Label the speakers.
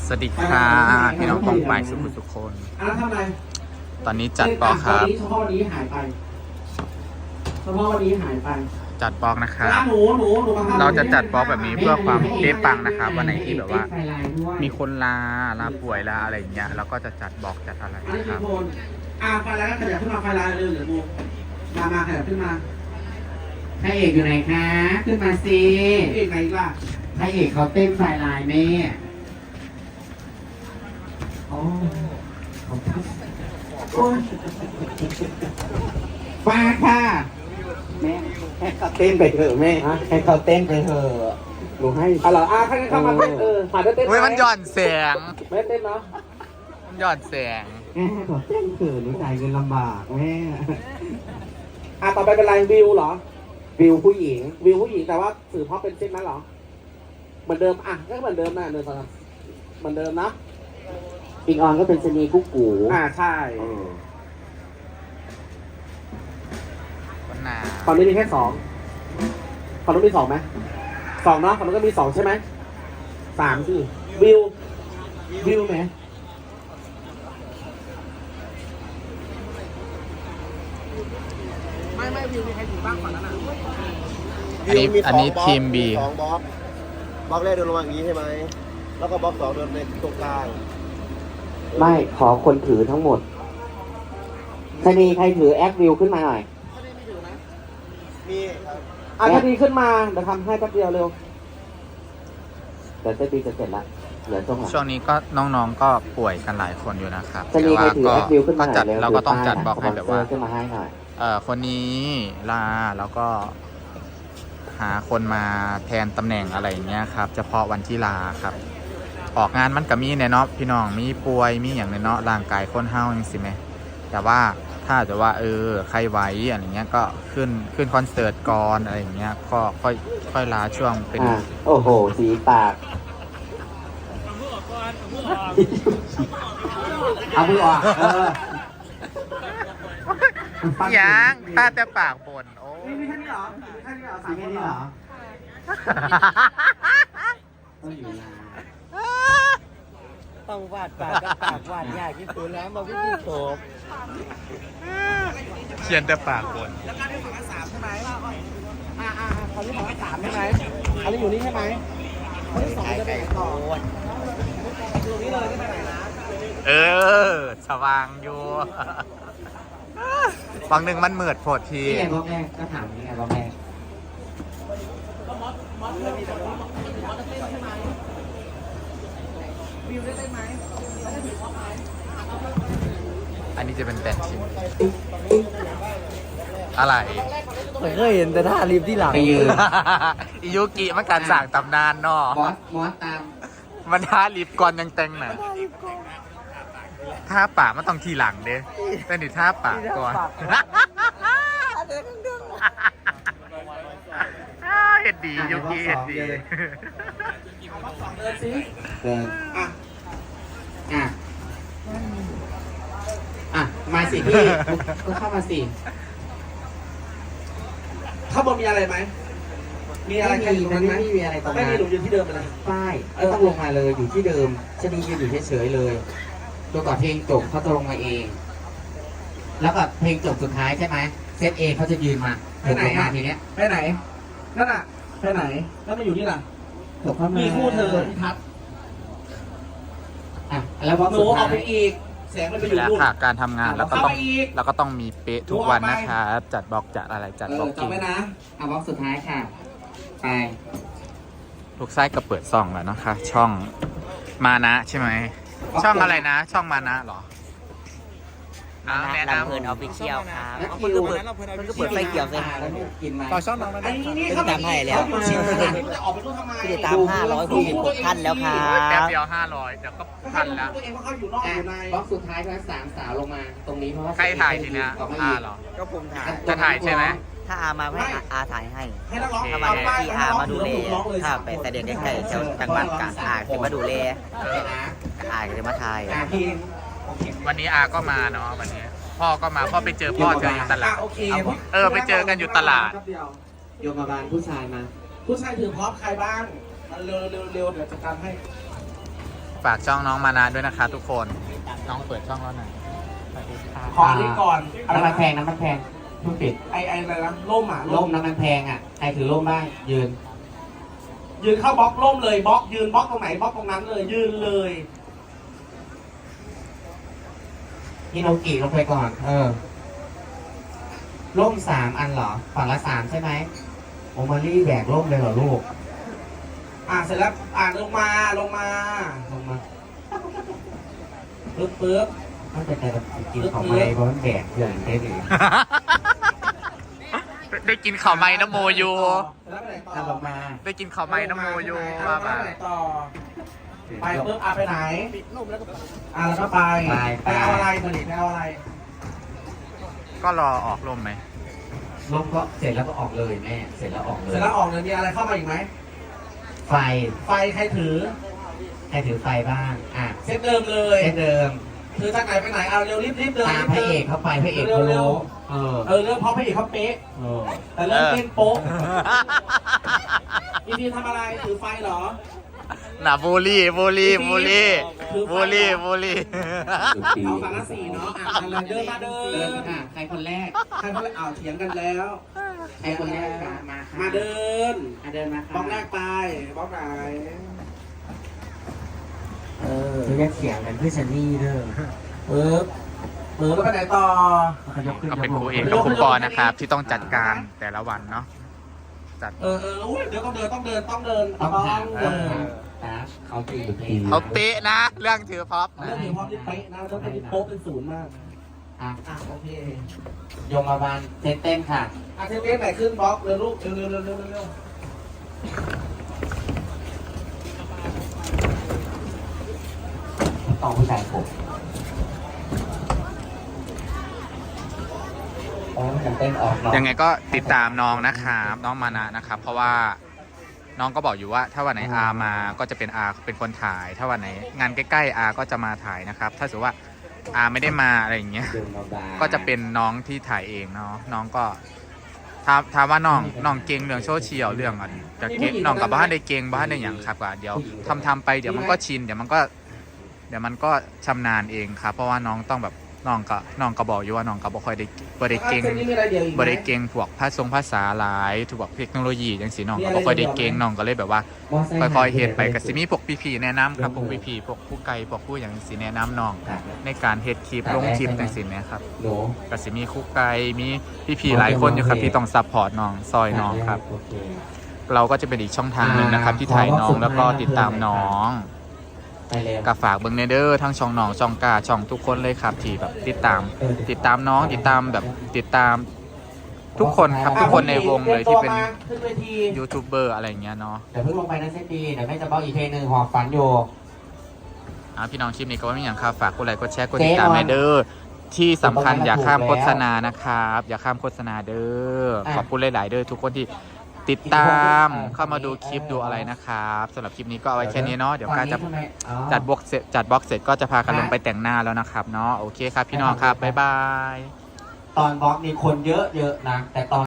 Speaker 1: สวัสดีค่ะพี่น้องกองฝ่ายสุขคน
Speaker 2: ทำไม
Speaker 1: ตอนนี้จัดบล็อกครับ
Speaker 2: เฉพาะวันนี้หายไปเฉพาะวันนี้หายไป
Speaker 1: จัดบล็อกนะครับ
Speaker 2: หนู
Speaker 1: เราจะจัดบล็อกแบบนี้เพื่อความเป๊ะปังนะครับวันไหนที่แบบว่า มีคนลาป่วยลาอะไรอย่างเงี้ยเราก็จะจัดบล็อกจัดอะไรนะครับ
Speaker 2: ไฟลายก็ขยับขึ้นมาไฟลายเร็วเดี๋ยวมูมาขยับขึ้นมา
Speaker 3: พระเอกอยู่ไหนคะขึ้นมาสิ
Speaker 2: เอกไหนล่ะ
Speaker 3: พระเอกเขาเต้นไฟลายแม่โอ้ฟ้าค่ะแม่ให้เขาเต้นไปเถอะแม่ให้เขาเต้นไปเถอะหนูให้
Speaker 2: อะไรใครเข้ามาเต้นผ่านได้เต้น
Speaker 1: เฮ้ยมันหย่อนแสง
Speaker 2: ไม่เต้นเนาะ
Speaker 1: มันหย่อนแสง
Speaker 3: แม่ให้เขาเต้นเถอะหนูจ่ายเงินลำบากแม่
Speaker 2: ต่อไปเป็นไรวิวเหรอวิวผู้หญิงแต่ว่าสื่อเพราะเป็นเส้นนั้นเหรอเหมือนเดิมก็เหมือนเดิมนะเหมือนเดิมนะ
Speaker 3: ปิงออนก็เป็นชนีกุ๊กกู
Speaker 2: ใช่
Speaker 1: ฝั่
Speaker 2: งนี้มีแค่2ฝั่งนู้นมี2ไหม2เนาะฝั่งนู้นก็มี2ใช่ไหม3สิวิวไหมไม่วิวมีใครอยู่บ้างฝั่งนั้น
Speaker 1: อันนี้ทีม B
Speaker 4: 2 บล็อกแรกเดินลงมาอย่างนี้ใช่ไหมแล้วก็บล็อก2เดินในตรงกลาง
Speaker 3: ไม่ขอคนถือทั้งหมดชนีใครถือแอควิวขึ้นมาหน่อย
Speaker 4: มี
Speaker 2: ถ้าดีขึ้นมาเดี๋ยวทำให้แป๊บเดียวเร็ว
Speaker 3: แต่จะดีจะเสร็จละเหลือ
Speaker 1: ช่วงนี้ก็น้องๆก็ป่วยกันหลายคนอยู่นะครับ
Speaker 3: แต่ว่าก็
Speaker 1: จัดเราก็ต้องจัดบล็อกให้แบบว่าคนนี้ลาแล้วก็หาคนมาแทนตำแหน่งอะไรอย่างเงี้ยครับเฉพาะวันที่ลาครับออกงานมันก็มีเนาะพี่น้องมีป่วยมีอย่างเนาะร่างกายคนเฮาอย่างสิไหมแต่ว่าถ้าจะว่าใครไหวอะไรเงี้ยก็ขึ้นคอนเสิร์ตก่อนอะไรอย่างเงี้ยก็ค่อยลาช่วงเป็น
Speaker 3: โอ้โหสีปากเอามือออก
Speaker 1: ยังตาแต่ปากบนโอ้
Speaker 2: มีแค่นี้เหรอ
Speaker 3: 3 คนเหรอ
Speaker 4: ต้องวาดปากกับปากวาดยากที่สุดแล้วมาวิ่งโฉบ
Speaker 1: เขียนแต่ปากบน
Speaker 2: แล้วการที่ฝั่งละ3ใช่ไหมตอนนี้ฝั่งละ3ใช่ไหมอันนี้อยู่นี่ใช่ไหมคนที่2จะไปต่ออยู่นี่เลยไม่ไปไหนนะ
Speaker 1: สว่างอยู่ฝั่งหนึ่งมันเหมือดโผดที
Speaker 3: นี่ไงบล็อกแรกก็ถามนี่ไงบล็อกแรก
Speaker 1: อันนี้จะเป็นแบนชิมอะไร
Speaker 4: ไม่เคยเห็นแต่ท่ารีบที่หลัง
Speaker 3: ไปยืน
Speaker 1: อิยุกิมันการสั่งตำนานเนาะ
Speaker 3: มอสตาม
Speaker 1: มันท่ารีบก่อนยังแต่งน่ะท่าปากมันต้องทีหลังเด้แต่นี่ท่าปากก่อนเห็ดดียุกิเห็ดดี
Speaker 3: มาสิพี่ก็เข้ามาสิ
Speaker 2: ข้างบนมีอะไรไหมมีอะไรกันตรงนั้นไหม
Speaker 3: ไม่มีอะไรตรงนั้น
Speaker 2: ไม่มีหนูอยู่ที่เดิมเลย
Speaker 3: ป้ายต้องลงมาเลยอยู่ที่เดิมชนียืนอยู่เฉยๆเลยจนกว่าเพลงจบเขาจะลงมาเองแล้วก็เพลงจบสุดท้ายใช่ไหมเซตเอเขาจะยืนมา
Speaker 2: ไปไหน
Speaker 3: ทีเนี้ย
Speaker 2: ไปไหนนั่นน่ะไปไหนแล้วมาอยู่นี่ล่ะมีคู่เธอที่ทัด
Speaker 3: แล้ว
Speaker 2: หนูออกไปอีกแสงมันไปอยู่นู่น
Speaker 1: การทำงานแล้วก็ต้องมีเป๊ะทุกวันนะครับจัดบล็อกจัดอะไรจัดบล็อก
Speaker 2: จำไว้นะ
Speaker 3: บล็อกสุดท้ายค่ะไป
Speaker 1: ลูกไส้ก็เปิดซ่องแล้วนะคะช่องมานะใช่ไหมช่องอะไรนะช่องมานะหรอ
Speaker 4: แม่น้ำเพลินออฟฟิเชียลครับมันก็เปิดไฟเขียวเลย
Speaker 2: ต่อช่องน้อง
Speaker 4: อันนี้เขาตามให้แล้ว
Speaker 2: จะออกไปรู้ทำไม
Speaker 4: คือตาม566ท่านแล้วครับ
Speaker 1: แป๊บเดียว500เดี๋ยวก็พันแล้ว
Speaker 2: ตัวเองเขาอยู่นอกอยู่ใน
Speaker 3: บล็อกสุดท้ายก็3 สาวลงมาตรงนี้เพราะว่า
Speaker 1: ใครถ่ายทีเนี้ยหรอ
Speaker 4: ก็ผมถ่าย
Speaker 1: จะถ่ายใช่ไหม
Speaker 4: ถ้าอามาให้อาถ่ายให้
Speaker 2: ถ้า
Speaker 4: มาที่อามาดูแลถ้าไปแต่เด็กใกล้ๆแถวจังหวัดกาญอาจะมาดูแลอาจะมาถ่าย
Speaker 1: วันนี้อาก็มาเนาะวันนี้พ่อก็มาพ่อไปเจอพ่อเจออยู่ตลาดไปเจอกันอยู่ตลาด
Speaker 3: โยมบาลผู้ชายมา
Speaker 2: ผู้ชายถือพร้อมใครบ้างมันเร็วเดี๋ยวจัดการให้
Speaker 1: ฝากช่องน้องมานาด้วยนะคะทุกคนน้องเปิดช่องแล้วหน่อยสวัสดีค่ะ
Speaker 2: ขออันนี้ก่อนอะไร
Speaker 3: น้ำมัน
Speaker 2: นะ
Speaker 3: แพงน้ำมันแพงทุกปิด
Speaker 2: ไออะไรนะล่มอ่ะ
Speaker 3: ร่มน้ำมันแพงอ่ะใครถือร่มบ้างยืน
Speaker 2: ยืนเข้าบล็อกล่มเลยบล็อกยืนบล็อกตรงไหนบล็อกตรงนั้นเลยยืนเลย
Speaker 3: พี่โนกิลงไปก่อน ร่ม3 อันเหรอฝั่งละ3ใช่ไหมโอมารี่แบกร่มเลยเหรอลูก
Speaker 2: เสร็จแล้วลงมา
Speaker 3: ลงมา
Speaker 2: ปึ๊บ
Speaker 3: มันเป็นแต่กินของไม้เพราะมันแบกเกินได้หรือ
Speaker 1: ได้กินข้าวไม้น้ำโมยู
Speaker 2: เสร็จแล้วไปไหนต่อ
Speaker 3: ถ้าลงมา
Speaker 1: ได้กินข้าวไม้น้ำโมยู
Speaker 2: ไป
Speaker 1: ว่ามา
Speaker 2: ไหนต่อไปปึ๊บไปไหนแล้วก็ไปเอาอะไรผลิตไปเอาอะไร
Speaker 1: ก็รอออกลมไหม
Speaker 3: ร่มก็เสร็จแล้วก็ออกเลยแม่เสร็จแล้วออกเล
Speaker 2: เสร็
Speaker 3: ย
Speaker 2: จแล้วออกเลยมีอะไรเข้ามาอีกไหม
Speaker 3: ไฟ
Speaker 2: ไฟใครถือ
Speaker 3: ใครถือไฟบ้าง
Speaker 2: เซตเดิมเลย
Speaker 3: เช่นเดิม
Speaker 2: ถือจากไหนไปไหนเอาเร็วรีบเดิน
Speaker 3: ตามพระเอกเข้าไปพระเอกเขารู้
Speaker 2: เรื่องเพราะพระเอกเขาเป๊ะ
Speaker 3: เออ
Speaker 2: แต่เริ่มเต้นโป๊ะอีพีทำอะไรถือไฟเหรอ
Speaker 1: น่ะบูลลี่บูลลี่บูลลี่บูลลี่บูลลี่
Speaker 2: เอาสารสีเนาะอะไรเดินมาเดิ
Speaker 3: เดิน
Speaker 2: น
Speaker 3: ค่ะใครคนแรก
Speaker 2: ใครเขาเลยเถียงกันแล้ว
Speaker 3: ใครคนแรกค่ะมาค่ะ
Speaker 2: มาเดิน
Speaker 3: เดินมาค่ะ
Speaker 2: บล็อกแรกไปบล็อกไหน
Speaker 3: คือแยกเสียงกันเพื่อชันนี่เด้อ
Speaker 2: ปึ๊บแล้วไปไหนต่อ
Speaker 3: เขายกขึ้น
Speaker 1: ก็เป็นครูเอกกับครูปอนะครับ ที่ต้องจัดการแต่ละวันเนาะจัด
Speaker 2: เดี๋ยวต้องเดินต้องเดิน
Speaker 3: ต้องถามนะเขาตีอยู่ที่
Speaker 1: เขาเป๊ะนะ เรื่องถือพ็อป
Speaker 2: เรื่องนี้พร้อมที่เป๊ะนะต้องเป็นโป๊ะเป็นศูนย์มาก โอเค
Speaker 3: ยมบาลเต้นค่ะ
Speaker 2: เทปไหนขึ้นบล็อกเร็วลูกเร็ว
Speaker 3: ต้องผู้ชายผมมันเต้นออก
Speaker 1: ยังไงก็ติดตามน้องนะครับน้องมานะนะครับ เพราะว่าน้องก็บอกอยู่ว่า ถ้าวันไหนอามาก็จะเป็นอาเป็นคนถ่าย ถ้าวันไหนงานใกล้ๆอาก็จะมาถ่ายนะครับ ถ้าสมมติว่าอาไม่ได้มาอะไรอย่างเงี้ยก็จะเป็นน้องที่ถ่ายเองเนาะน้องก็ถามว่าน้องเก่งเรื่องโซเชียลเรื่องอะไรจะเก่งน้องกับบ้านได้เก่งบ้านได้อย่างครับก็เดี๋ยวทำไปเดี๋ยวมันก็ชินเดี๋ยวมันก็ชำนาญเองครับเพราะว่าน้องต้องแบบน้องก็บอกอยู่ว่าน้องก็บ่ค่อยได้บ่ได้เก่งบ่ได้เก่งพวกภาษาหลายถูกแบบเทคโนโลยีจังซี่น้องก็บ่ค่อยได้เก่งน้องก็เลยแบบว่าค่อยๆเฮ็ดไปก็สิมีพวกพี่ๆแนะนำครับพวกพี่ๆพวกผู้ไกลพวกผู้อย่างสิแนะนำน้องในการเฮ็ดคลิปลงคลิปจังซี่นะครับก็สิมีครูไกลมีพี่ๆหลายคนอยู่ครับที่ต้องซัพพอร์ตน้องซอยน้องครับเราก็จะเป็นอีกช่องทางหนึ่งนะครับที่ถ่ายน้องแล้วก็ติดตามน้องกับฝากเบิ้งเนเดอร์ทั้งช่องน้องช่องกาช่องทุกคนเลยครับที่แบบติดตามน้องติดตามทุกคนครับทุกคนในวงเลยที่เป็นยูทูบเบอร์อะไรอย่างเงี้ยเนาะ
Speaker 3: เดี๋ยวเพิ่งลงไปนะเซนดีเดี๋ยวแม่จะบอกอีกเพลงหนึ่งหอบฝันอยู่
Speaker 1: พี่น้องคลิปนี้ก็ไม่มีอย่างครับฝากกดไลค์กดแชร์กดติดตามเนเดอร์ที่สำคัญอย่าข้ามโฆษณานะครับอย่าข้ามโฆษณาเด้อขอบคุณหลายๆเด้อทุกคนที่ติดตามเข้ามาดูคลิปดูอะไรนะครับสำหรับคลิปนี้ก็เอาไว้แค่นี้เนาะเดี๋ยวการจะจัดบล็อกเสร็จก็จะพากันลงไปแต่งหน้าแล้วนะครับเนาะโอเคครับพี่น้องครับบ๊ายบาย
Speaker 3: ตอนบล็อกมีคนเยอะนะแต่ตอน